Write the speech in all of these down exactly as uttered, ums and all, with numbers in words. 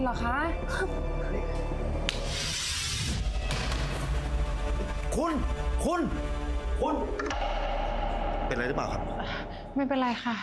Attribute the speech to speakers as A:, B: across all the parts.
A: เหรอคะ
B: คุณคุณคุณเป็นอะไรหรือเปล่าครับ
A: ไม่เป็นไรค่ะ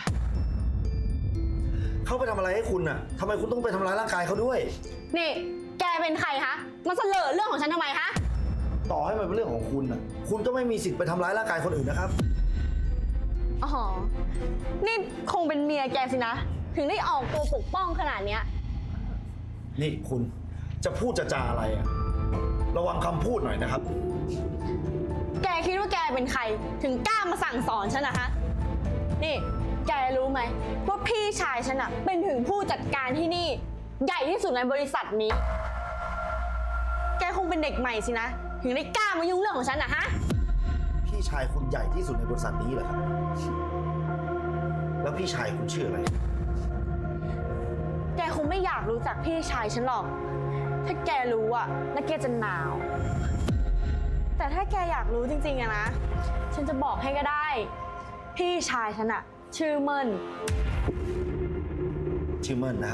B: เขาไปทำอะไรให้คุณน่ะทำไมคุณต้องไปทำร้ายร่างกายเขาด้วย
C: นี่แกเป็นใครคะมาเสลอเรื่องของฉันทำไมคะ
B: ต่อให้มันเป็นเรื่องของคุณน่ะคุณก็ไม่มีสิทธิ์ไปทำร้ายร่างกายคนอื่นนะครับ
C: อ๋อนี่คงเป็นเมียแกสินะถึงได้ออกตัวปกป้องขนาดเนี้ย
B: นี่คุณจะพูดจะจาอะไรอะระวังคำพูดหน่อยนะครับ
C: แกคิดว่าแกเป็นใครถึงกล้ามาสั่งสอนฉันนะคะนี่แกรู้ไหมว่าพี่ชายฉันอะเป็นถึงผู้จัดการที่นี่ใหญ่ที่สุดในบริษัทนี้แกคงเป็นเด็กใหม่สินะถึงได้กล้ามายุ่งเรื่องของฉันนะฮะ
B: พี่ชายคุณใหญ่ที่สุดในบริษัทนี้เหรอครับแล้วพี่ชายคุณชื่ออะไร
C: แกคงไม่อยากรู้จักพี่ชายฉันหรอกถ้าแกรู้อะแล้วแกจะหนาวแต่ถ้าแกอยากรู้จริงๆอะนะฉันจะบอกให้ก็ได้พี่ชายฉันอะชื่อเมิ่น
B: ชื่อเมิ่นนะครับ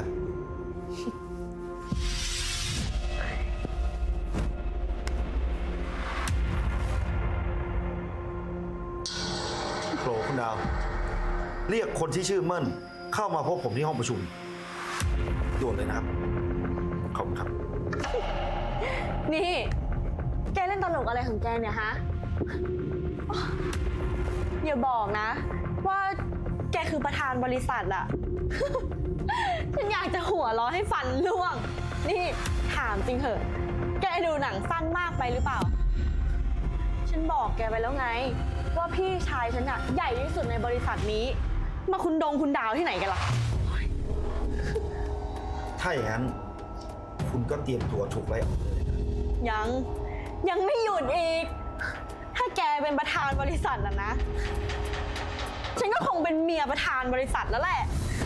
B: โผล่คุณดาวเรียกคนที่ชื่อเมิ่นเข้ามาพบผมที่ห้องประชุมด่วนเลยนะครับขอบคุณครับ
C: นี่แกเล่นตลกอะไรของแกเนี่ยฮะอย่าบอกนะว่าแกคือประธานบริษัทอะ ฉันอยากจะหัวเราะให้ฟันร่วงนี่ถามจริงเหอะแกดูหนังสั้นมากไปหรือเปล่าฉันบอกแกไปแล้วไงว่าพี่ชายฉันอะใหญ่ที่สุดในบริษัทนี้มาคุณดงคุณดาวที่ไหนกันล่ะ
B: ถ้าอย่างนั้นคุณก็เตรียมตัวถูกไล่ออกเลยนะ
C: ยังยังไม่หยุดอีกถ้าแกเป็นประธานบริษัทอะนะฉันก็คงเป็นเมียประธานบริษัทแล้วแหละ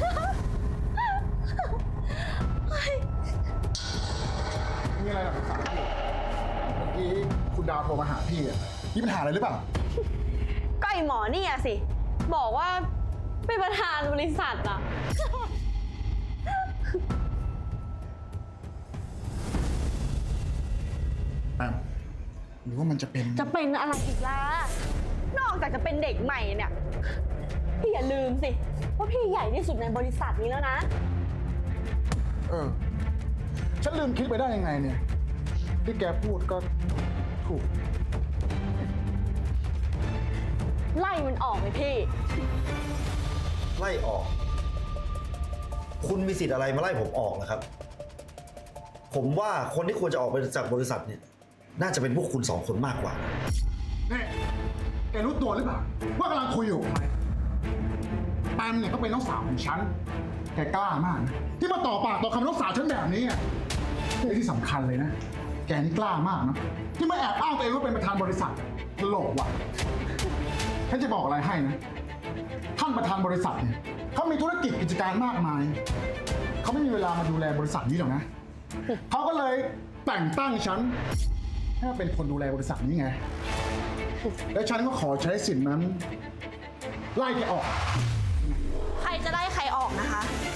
D: มีอะไรหรอครับพี่เมื่อกี้คุณดาวโทรมาหาพี่อ่ะมีปัญหาอะไรหรือเปล่า
C: ก็ไอหมอนี่อะสิบอกว่าเป็นประธานบริษัทอะ
D: หรือว่ามันจะเป็น
C: จะเป็นอะไรอีกล่ะนอกจากจะเป็นเด็กใหม่เนี่ยพี่อย่าลืมสิว่าพี่ใหญ่ที่สุดในบริษัทนี้แล้วนะ
D: เออฉันลืมคิดไปได้ยังไงเนี่ยที่แกพูดก็ถูก
C: ไล่มันออกเลยพี่
B: ไล่ออกคุณมีสิทธิ์อะไรมาไล่ผมออกนะครับผมว่าคนที่ควรจะออกไปจากบริษัทเนี่ยน่าจะเป็นพวกคุณสองคนมากกว่า
D: นี่แกรู้ตัวหรือเปล่าว่ากำลังคุยอยู่ใครแปมเนี่ยก็เป็นน้องสาวของฉันแกกล้ามากนะที่มาต่อปากต่อคำน้องสาวฉันแบบนี้อ่ะที่สำคัญเลยนะแกนี่กล้ามากนะที่มาแอบอ้างตัวเองว่าเป็นประธานบริษัทตลกว่ะฉันจะบอกอะไรให้นะท่านประธานบริษัทเนี่ยเขามีธุรกิจกิจการมากมายเขาไม่มีเวลามาดูแลบริษัทนี้หรอกนะเขาก็เลยแต่งตั้งฉันให้เป็นคนดูแลบริษัทนี้ไงและฉันก็ขอใช้สิทธินั้นไล่แกออก
C: ใครจะไล่ใครออกนะคะ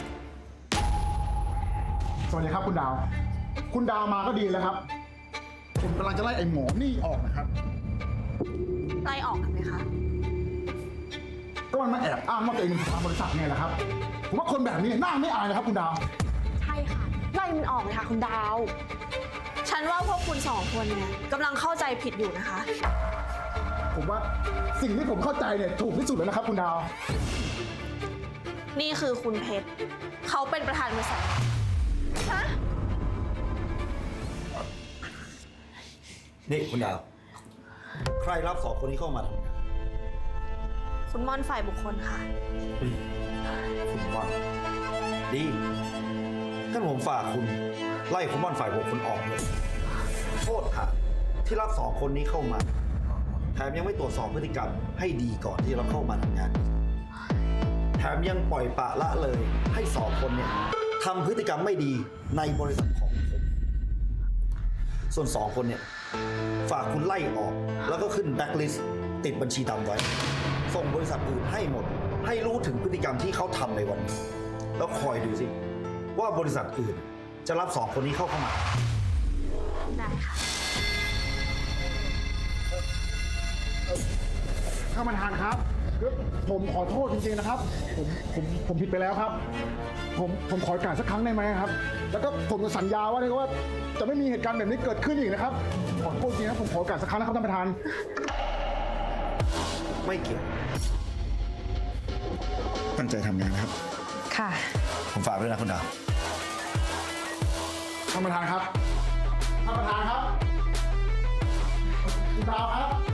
D: สวัสดีครับคุณดาวคุณดาวมาก็ดีแล้วครับผมกำลังจะไล่ไอ้หมอนี่ออกนะครับ
C: ไล่ออกทำไมคะ
D: ก็มันมาแอบอ้างว่าตัวเองเป็นประธานบริษัทไงล่ะครับผมว่าคนแบบนี้น่าไม่อายนะครับคุณดาว
C: ใช่ค่ะไล่มันออกเลยค่ะคุณดาวฉันว่าพวกคุณสองคนเนี่ยกำลังเข้าใจผิดอยู่นะคะ
D: ผมว่าสิ่งที่ผมเข้าใจเนี่ยถูกที่สุดแล้วนะครับคุณดาว
C: นี่คือคุณเพชรเขาเป็นประธานบริษัทฮะ
B: นี่คุณดาวใครรับสองคนนี้เข้ามาทำงาน
C: คุณม่อนฝ่ายบุคคลค่ะ
B: คุณม่อนดีท่านผมฝากคุณไล่คุณม่อนฝ่ายบุคคลออกเลยโทษค่ะที่รับสองคนนี้เข้ามาแถมยังไม่ตรวจสอบพฤติกรรมให้ดีก่อนที่เราเข้ามาทำงานแถมยังปล่อยปละละเลยให้สองคนเนี่ยทำพฤติกรรมไม่ดีในบริษัทของผมส่วนสองคนเนี่ยฝากคุณไล่ออกแล้วก็ขึ้นแบล็คลิสต์ติดบัญชีดำไว้ส่งบริษัทอื่นให้หมดให้รู้ถึงพฤติกรรมที่เขาทำในวันนี้แล้วคอยดูสิว่าบริษัทอื่นจะรับสองคนนี้เข้าเข้ามา
C: ได้ค่ะ
D: ท่านประธานครับผมขอโทษจริงๆนะครับ ผมผมผมผิดไปแล้วครับ ผมผมขอโอกาสสักครั้งได้ไหมครับ แล้วก็ผมจะสัญญาว่าเลยว่าจะไม่มีเหตุการณ์แบบนี้เกิดขึ้นอีกนะครับ ขอโทษจริงนะผมขอโอกาสสักครั้งนะครับท่านประธาน
B: ไม่เกี่ยวตั้งใจทำงานนะครับ
C: ค่ะ
B: ผมฝากด้วยนะคุณดาว
D: ท่านประธานครับ ท่านประธานครับคุณดาวครับ